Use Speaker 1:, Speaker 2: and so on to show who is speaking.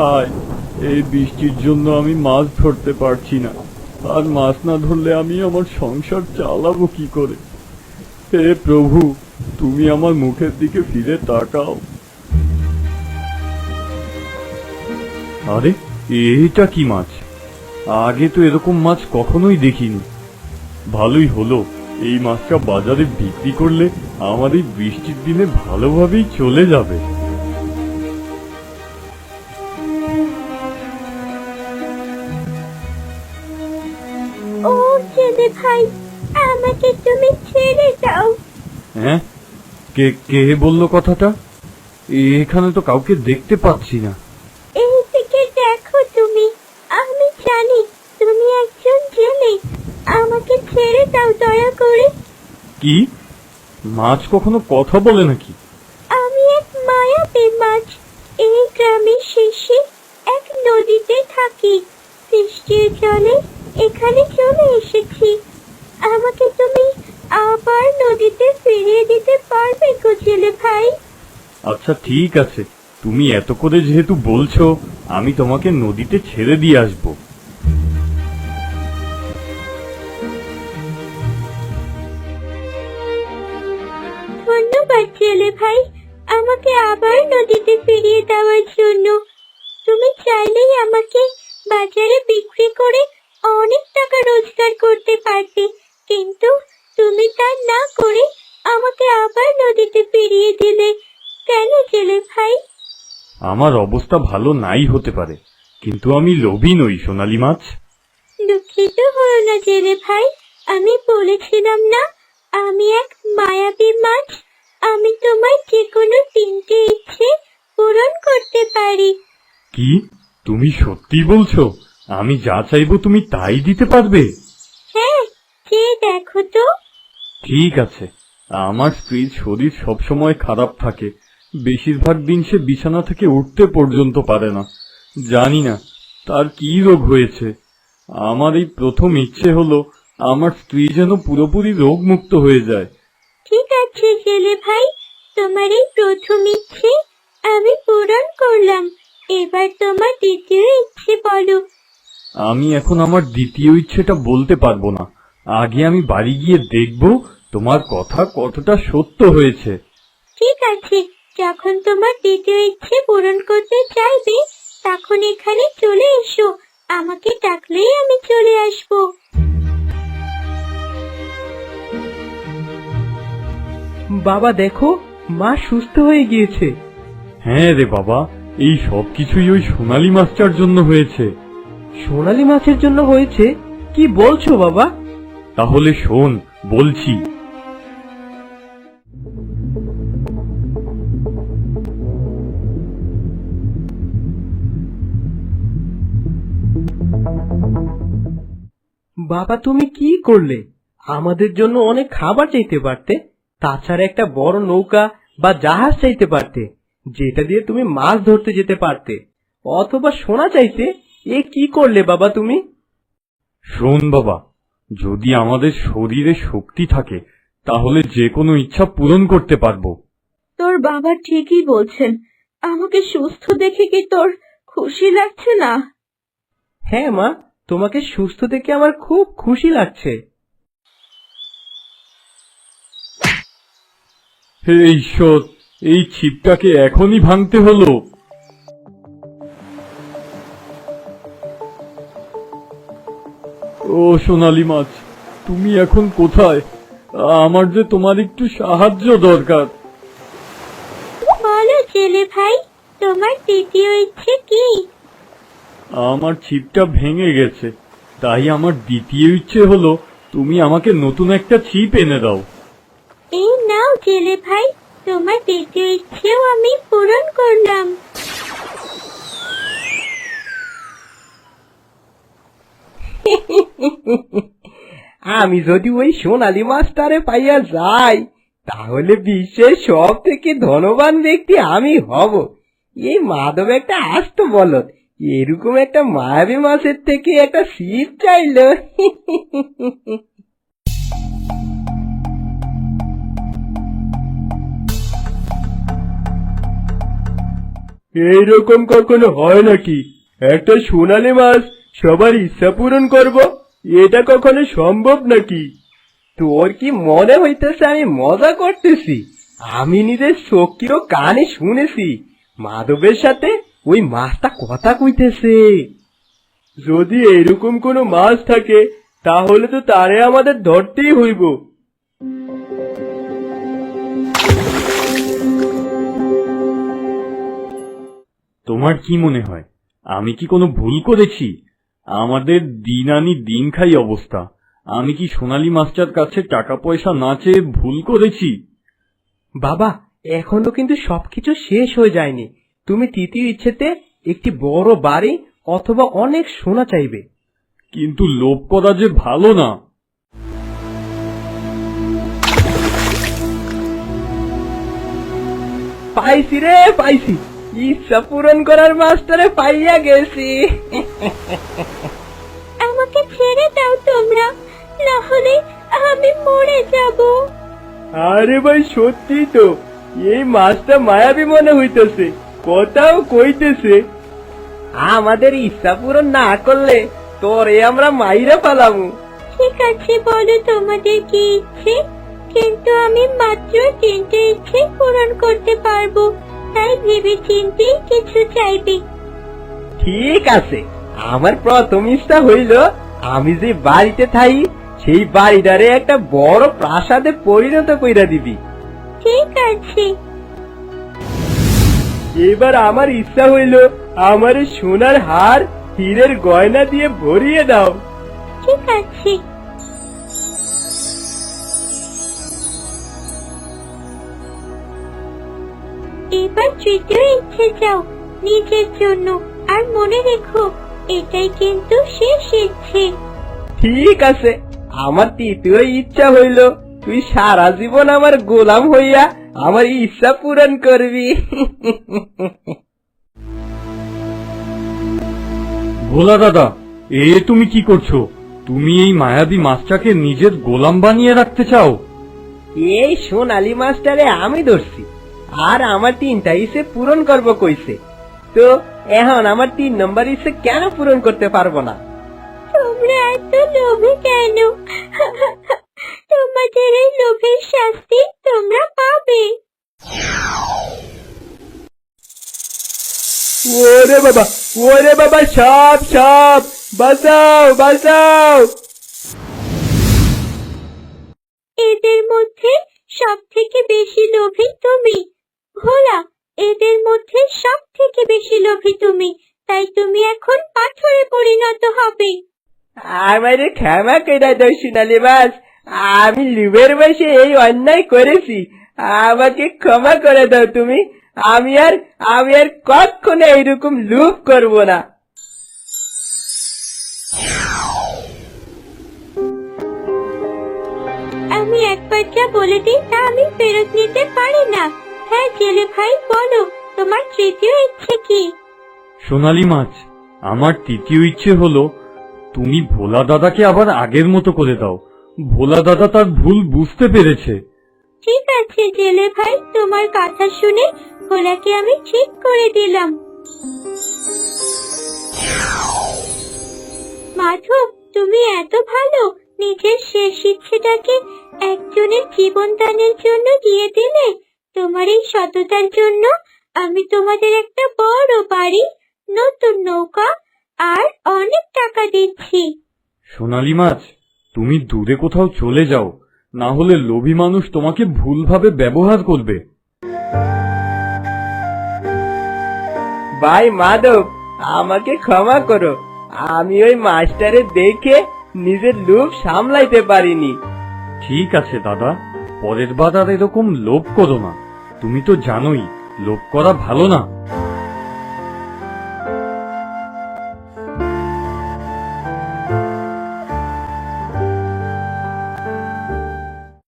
Speaker 1: হায়, এই বৃষ্টির জন্য আমি মাছ ধরতে পারছি না। আর মাছ না ধরলে আমি আমার সংসার চালাবো কি করে? হে প্রভু, তুমি আমার মুখের দিকে ফিরে তাকাও। আরে, এটা কি মাছ? আগে তো এরকম মাছ কখনোই দেখিনি। ভালোই হলো, এই মাছটা বাজারে বিক্রি করলে আমার এই বৃষ্টির দিনে ভালোভাবেই চলে যাবে।
Speaker 2: ও জেলে ভাই, আমাকে তুমি ছেড়ে দাও।
Speaker 1: হ্যাঁ, কে কে বললো কথাটা? এখানে তো কাউকে দেখতে পাচ্ছি না।
Speaker 2: এইদিকে দেখো তুমি, আমি জানি তুমি একজন জেলে। আমাকে ছেড়ে দাও দয়া করে।
Speaker 1: কি? মাছ কখনো কথা বলে নাকি?
Speaker 2: আমি এক মায়াবী মাছ। এই গ্রামের শেষে এক নদীতে থাকি। বৃষ্টির জলে এখানে চলে এসেছি। আমাকে তুমি আবার নদীতে ফিরিয়ে দিতে পারবে গো জেলে ভাই?
Speaker 1: আচ্ছা ঠিক আছে, তুমি এত করে যেহেতু বলছো, আমি তোমাকে নদীতে ছেড়ে দিয়ে আসবো।
Speaker 2: ধন্যবাদ জেলে ভাই, আমাকে আবার নদীতে ফিরিয়ে দেওয়ার জন্য। তুমি চাইলেই আমাকে বাজারে বিক্রি করে অনেক টাকা রোজগার করতে পারতে, কিন্তু তুমি তা না করে আমাকে আবার নদীতে ফিরিয়ে দিলে কেন জেলে ভাই?
Speaker 1: আমার অবস্থা ভালো নাই হতে পারে, কিন্তু আমি লোভী নই সোনালী মাছ।
Speaker 2: দুঃখিত হও না জেলে ভাই, আমি বলেছিলাম না আমি এক মায়াবী মাছ। আমি তোমার যে কোনো 3টে ইচ্ছে পূরণ করতে পারি।
Speaker 1: কি, তুমি সত্যি বলছো? আমি যা চাইবো তুমি তাই দিতে পারবে?
Speaker 2: হ্যাঁ, যে দেখো তো।
Speaker 1: ঠিক আছে। আমার স্ত্রীর শরীর সবসময় খারাপ থাকে, বেশিরভাগ দিন সে বিছানা থেকে উঠতে পর্যন্ত পারে না। জানি না তার কি রোগ হয়েছে। আমার এই প্রথম ইচ্ছে হলো আমার স্ত্রী যেন পুরোপুরি রোগমুক্ত হয়ে যায়।
Speaker 2: ঠিক আছে জেলে ভাই, তোমার এই প্রথম ইচ্ছে আমি পূরণ করলাম। এবার তোমার দ্বিতীয় ইচ্ছে বলো।
Speaker 1: আমি এখন আমার দ্বিতীয় ইচ্ছেটা বলতে পারবো না। আগে আমি বাড়ি গিয়ে দেখব তোমার কথা কতটা সত্য হয়েছে।
Speaker 2: ঠিক আছে, যখন তোমার দ্বিতীয় ইচ্ছে পূরণ করতে চাইবে তখন এখানে চলে এসো। আমাকে ডাকলেই আমি চলে আসবো।
Speaker 3: বাবা দেখো, মা সুস্থ হয়ে গিয়েছে।
Speaker 1: হ্যাঁ রে বাবা, এই সব কিছুই ওই সোনালী মাছটার জন্য হয়েছে।
Speaker 3: সোনালী মাছের জন্য হয়েছে? কি বলছো বাবা?
Speaker 1: তাহলে শোন, বলছি।
Speaker 3: বাবা তুমি কি করলে? আমাদের জন্য অনেক খাবার চাইতে পারতে, তাছাড়া একটা বড় নৌকা বা জাহাজ চাইতে পারতে, যেটা দিয়ে তুমি মাছ ধরতে যেতে পারতে, অথবা সোনা চাইতে। এ কি করলে বাবা তুমি?
Speaker 1: শোন বাবা, যদি আমাদের শরীরে শক্তি থাকে তাহলে যে কোনো ইচ্ছা পূরণ করতে পারবো।
Speaker 2: তোর বাবা ঠিকই বলছেন। আমাকে সুস্থ দেখে কি তোর খুশি লাগছে না?
Speaker 3: হ্যাঁ মা, তোমাকে সুস্থ দেখে আমার খুব খুশি লাগছে।
Speaker 1: হে ঈশ্বর, এই ছিপটাকে এখনই ভাঙতে হলো। ও সোনালী মাছ, তুমি এখন কোথায়? আমার যে তোমার একটু সাহায্য দরকার।
Speaker 2: বলো জেলে ভাই, তোমার দ্বিতীয় ইচ্ছে কি?
Speaker 1: আমার ছিপটা ভেঙে গেছে, তাই আমার দ্বিতীয় ইচ্ছে হলো তুমি আমাকে নতুন একটা ছিপ এনে দাও।
Speaker 2: এই নাও জেলে ভাই, তোমার দ্বিতীয় ইচ্ছেও আমি পূরণ করলাম।
Speaker 3: আমি যদি ওই সোনালী মাছটারে পাইয়া যাই, তাহলে বিশ্বের সব থেকে ধনবান ব্যক্তি আমি হব। এই মাধব একটা আস্ত বলদ, এরকম একটা মায়াবী মাছের থেকে একটা ছিপ চাইলো। এইরকম কখনো হয় নাকি? একটা সোনালী মাছ সবার ইচ্ছা পূরণ করব, এটা কখনো সম্ভব নাকি? তোর কি মনে হইতেছে আমি মজা করতেছি? আমি নিজের চোখে ও কানে শুনেছি মাধবের সাথে ওই মাছটা কথা কইতেছে। যদি এরকম কোনো মাছ থাকে তাহলে তো তারে আমাদের ধরতেই হইব।
Speaker 1: তোমার কি মনে হয় আমি কি কোনো ভুল করেছি? আমাদের দিন আনি দিন খাই অবস্থা। আমি কি সোনালী মাছটার কাছে টাকা পয়সা না চেয়ে ভুল করেছি?
Speaker 3: বাবা, এখনো কিন্তু সবকিছু শেষ হয়ে যায়নি। তুমি তৃতীয় ইচ্ছেতে একটি বড় বাড়ি অথবা অনেক সোনা চাইবে।
Speaker 1: কিন্তু লোভ করা যে ভালো না।
Speaker 3: পাইছি রে, পাইছি। ইচ্ছা পূরণ করার মাস্টারে পাইয়া গেছি।
Speaker 2: আমাকে ছেড়ে দাও তোমরা, না হলে আমি মরে যাব।
Speaker 3: আরে ভাই, সত্যি তো এই মাছটা মায়াবী মনে হইতেছে, কথাও কইতেছে। আমাদের ইচ্ছা পূরণ না করলে তোরে আমরা মাইরা পালামু।
Speaker 2: ঠিক আছে, বলো তোমাদের কি ইচ্ছে, কিন্তু আমি মাত্র 3টে ইচ্ছে পূরণ করতে পারবো, তাই ভেবে চিন্তে কিছু চাইবে।
Speaker 3: ঠিক আছে, আমার প্রথম ইচ্ছা হইল আমি যে বাড়িতে থাই সেই বাড়িটারে একটা বড় প্রাসাদে পরিণত কইরা দিবি।
Speaker 2: ঠিক আছে।
Speaker 3: এবার আমার ইচ্ছা হইল আমার সোনার হার হীরের গয়না দিয়ে ভরিয়ে দাও।
Speaker 2: ঠিক আছে। এবার তৃতীয় ইচ্ছে চাও নিজের জন্য, আর মনে রেখো এটাই কিন্তু শেষ ইচ্ছে।
Speaker 3: ঠিক আছে, আমার তৃতীয় ইচ্ছা হইল তুই সারা জীবন আমার গোলাম হইয়া আমার ইচ্ছা পূরণ করবি।
Speaker 1: ভোলা দাদা, তুমি কি করছো? তুমি এই মায়াবী মাছটাকে নিজের গোলাম বানিয়ে রাখতে চাও?
Speaker 3: এই সোনালী মাছটারে আমি ধরছি, আর আমার 3টা ইচ্ছে পূরণ করব কইছে, তো এখন আমার 3 নম্বর ইচ্ছে কেন পূরণ করতে পারবো না?
Speaker 2: তোমরা এত লোভী কেন? তোমাদের এই লোভের শাস্তি তোমরা পাবে।
Speaker 3: ওরে বাবা, ওরে বাবা, সাপ সাপ, বাঁচাও বাঁচাও।
Speaker 2: এদের মধ্যে সব থেকে বেশি লোভী তুমি, ভোলা। এদের মধ্যে সব থেকে বেশি লোভী তুমি, তাই তুমি এখন পাথরে পরিণত হবে।
Speaker 3: আমারে ক্ষমা করে দাও সোনালী মাছ, আমি লিভের বসে এই অন্যায় করেছি, আমাকে ক্ষমা করে দাও তুমি। আমি আর কখনো এইরকম লোভ করব না।
Speaker 2: আমি একবার যা বলে দিই তা আমি ফেরত নিতে পারি না। হ্যাঁ জেলে ভাই, বলো তোমার তৃতীয় ইচ্ছে কি?
Speaker 1: সোনালী মাছ, আমার তৃতীয় ইচ্ছে হলো তুমি ভোলা দাদাকে আবার আগের মতো করে দাও। ভোলা দাদা তার ভুল বুঝতে পেরেছে।
Speaker 2: ঠিক আছে জেলে ভাই, তোমার কথা শুনে ভোলাকে আমি ঠিক করে দিলাম। মাধব, তুমি এত ভালো, নিজের শেষ ইচ্ছেটাকে একজনের জীবন দানের জন্য দিয়ে দিলে। তোমার এই সততার জন্য আমি তোমাদের একটা বড় বাড়ি, নতুন নৌকা আর অনেক টাকা দিচ্ছি।
Speaker 1: সোনালী মাছ, তুমি দূরে কোথাও চলে যাও, না হলে লোভী মানুষ তোমাকে ভুলভাবে ব্যবহার করবে।
Speaker 3: ভাই মাধব, আমাকে ক্ষমা করো, আমি ওই মাস্টারে দেখে নিজের লোভ সামলাইতে পারিনি।
Speaker 1: ঠিক আছে দাদা, পরের বার আর এরকম লোভ করো না। তুমি তো জানোই লোভ করা ভালো না।